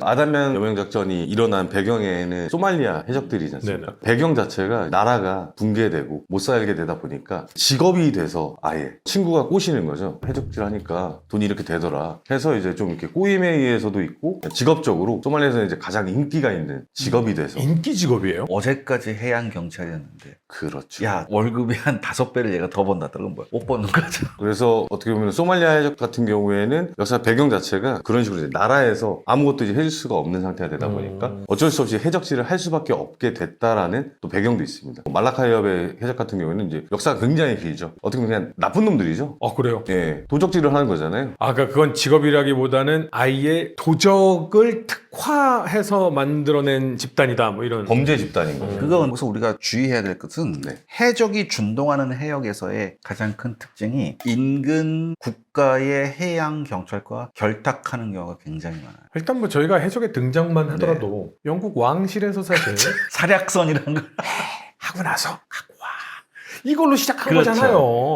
아담양 여명작전이 일어난 배경에는 소말리아 해적들이지 않습니까? 배경 자체가 나라가 붕괴되고 못 살게 되다 보니까 직업이 돼서 아예 친구가 꼬시는 거죠. 해적질 하니까 돈이 이렇게 되더라 해서 이제 좀 이렇게 꼬임에 의해서도 있고 직업적으로 소말리아에서는 이제 가장 인기가 있는 직업이 돼서 인기 직업이에요? 어제까지 해양 경찰이었는데 그렇죠. 야 월급이 한 5배를 얘가 더 번다. 그건 뭐야? 못 버는 거죠. 그래서 어떻게 보면 소말리아 해적 같은 경우에는 역사 배경 자체가 그런 식으로 이제 나라에서 아무것도 이제 해줄 수가 없는 상태가 되다 보니까 어쩔 수 없이 해적질을 할 수밖에 없게 됐다라는 또 배경도 있습니다. 말라카 해협의 해적 같은 경우에는 이제 역사가 굉장히 길죠. 어떻게 보면 그냥 나쁜 놈들이죠. 그래요? 예, 도적질을 하는 거잖아요. 그러니까 그건 직업이라기보다는 아예 도적을 특화해서 만들어낸 집단이다 뭐 이런. 범죄 집단인 거예요. 그건 그래서 우리가 주의해야 될 것은 네. 해적이 준동하는 해역에서의 가장 큰 특징이 인근 국가의 해양 경찰과 결탁하는 경우가 굉장히 많아요. 일단 뭐 저희가 해적의 등장만 하더라도 영국 왕실에서 사실 사략선이라는 걸 하고 나서 갖고 와 이걸로 시작한 그렇죠. 거잖아요.